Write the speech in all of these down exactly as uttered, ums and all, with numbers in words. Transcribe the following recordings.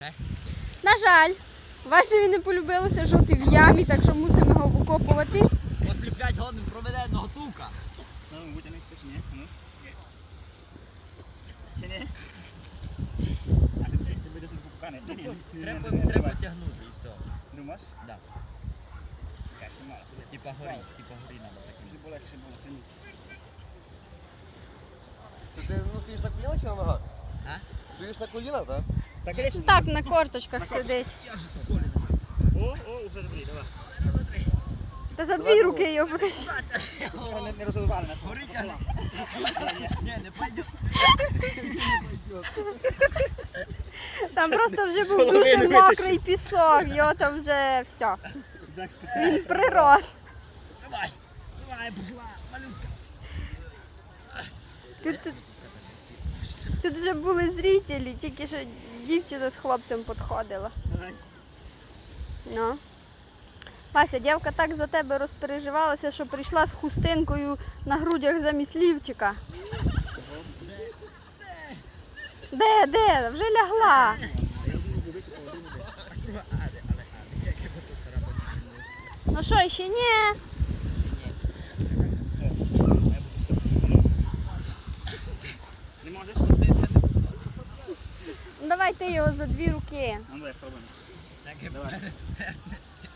На жаль, Васеві не полюбилося жити в ямі, так що мусимо його викопувати. Осліплять годин проведеного тука. Ну, витягнешся чи ні? Ну. Чи ні? А ти, ти будеш покуканий? Треба, треба тягнути і все. Думаєш? Да. Чекай, ще мало. Типа горі, типа горі треба таким. Щоб легше було тягнути. Ти ну, стоїш на колінах чи на ногах? А? Стоїш на колінах, так? Так, іди сюди. Так, на корточках сидить. О, о, вже добрий, давай. Та за дві руки його будеш. Не, не розривали нас. Горить, але... Ні, не пойде. Там просто вже був дуже мокрий пісок, його там вже все. Він прирос. Давай, давай, пошла, малютка. Тут, тут, тут вже були зрителі, тільки що дівчина з хлопцем підходила. Давай. Ну. Вася, дівка так за тебе розпереживалася, що прийшла з хустинкою на грудях замість лівчика. Де, де? Вже лягла. Ну що, ще ні? Не можеш? Ну, давай ти його за дві руки. Ну, давай, пробуємо. Так і мене терне все.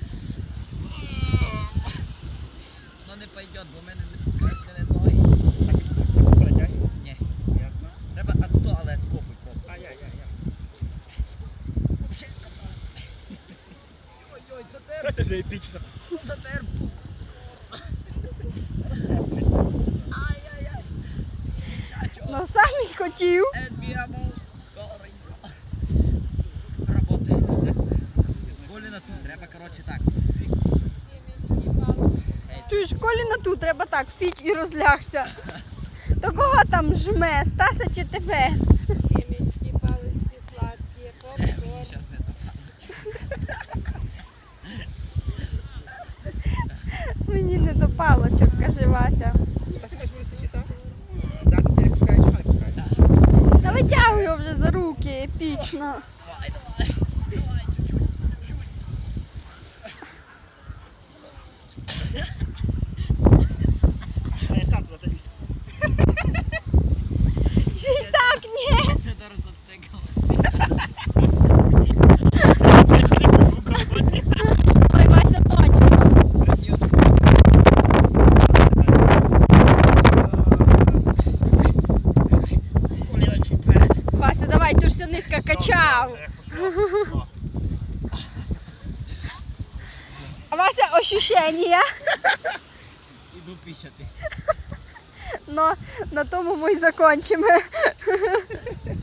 Ну не пойде, бо в мене не пускають мене ноги. Так, перетягай. Ні. Ясно. Треба атто, але скопуй просто. Ай-яй-яй. Ой-ой, затер, Просто вже епічно. затер. Ай-яй-яй. Чачо. Ну сам і хотів. Enviamos скоренько. Работает. Коліна тут, треба, коротше, так. Чуєш, Коліна тут, треба так, фіть і розлягся. То кого там жме, Стаса чи тебе? Семечки, палочки сладкие, попкорн. Щас не допало. Мені не до палочок, каже Вася. Так ти хочеш вирости так? Так, ти не пускаєш, а не пускаєш. Та витягуй його вже за руки, епічно. Давай, давай. Давай, чуть-чуть. Чуть. А я сам туди заліз. Ще й так, ні. Це зараз обстекало. Ой, Вася, точно. Коліна чуть перед. Вася, давай, ти ж ся низько качав. А Вася, ощущення? Іду піщати. Но на тому ми й закончимо.